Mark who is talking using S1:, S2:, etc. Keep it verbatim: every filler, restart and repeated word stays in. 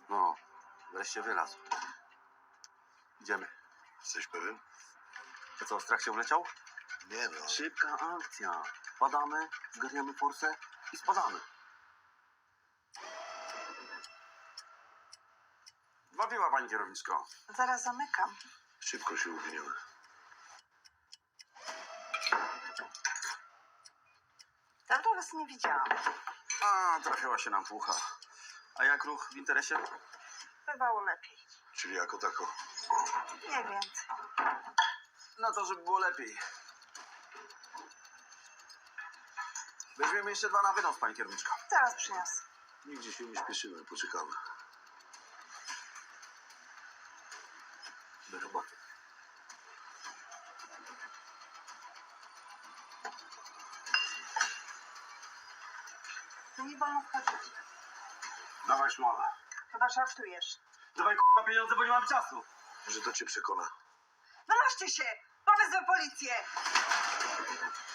S1: No, wreszcie wylazł. Idziemy.
S2: Jesteś pewien?
S1: To co, strach się wleciał?
S2: Nie no.
S1: Szybka akcja. Padamy, zgarniamy forsę i spadamy. Dwa piwa, pani kierowniczko.
S3: Zaraz zamykam.
S2: Szybko się uwiniemy.
S3: Dawno was nie widziałam.
S1: A, trafiła się nam fucha. A jak ruch w interesie?
S3: Bywało lepiej.
S2: Czyli jako tako.
S3: Nie więcej.
S1: No to, żeby było lepiej. Weźmiemy jeszcze dwa na wynos, pani kierowniczko.
S3: Zaraz przyniosę.
S2: Nigdzie się nie śpieszymy, poczekamy. Do roboty.
S3: Tu nie wolno wchodzić.
S1: Dawaj szmala.
S3: Chyba żartujesz.
S1: Dawaj k***a pieniądze, bo nie mam czasu.
S2: Może to cię przekona.
S3: Wynoście się! Powezmę policję!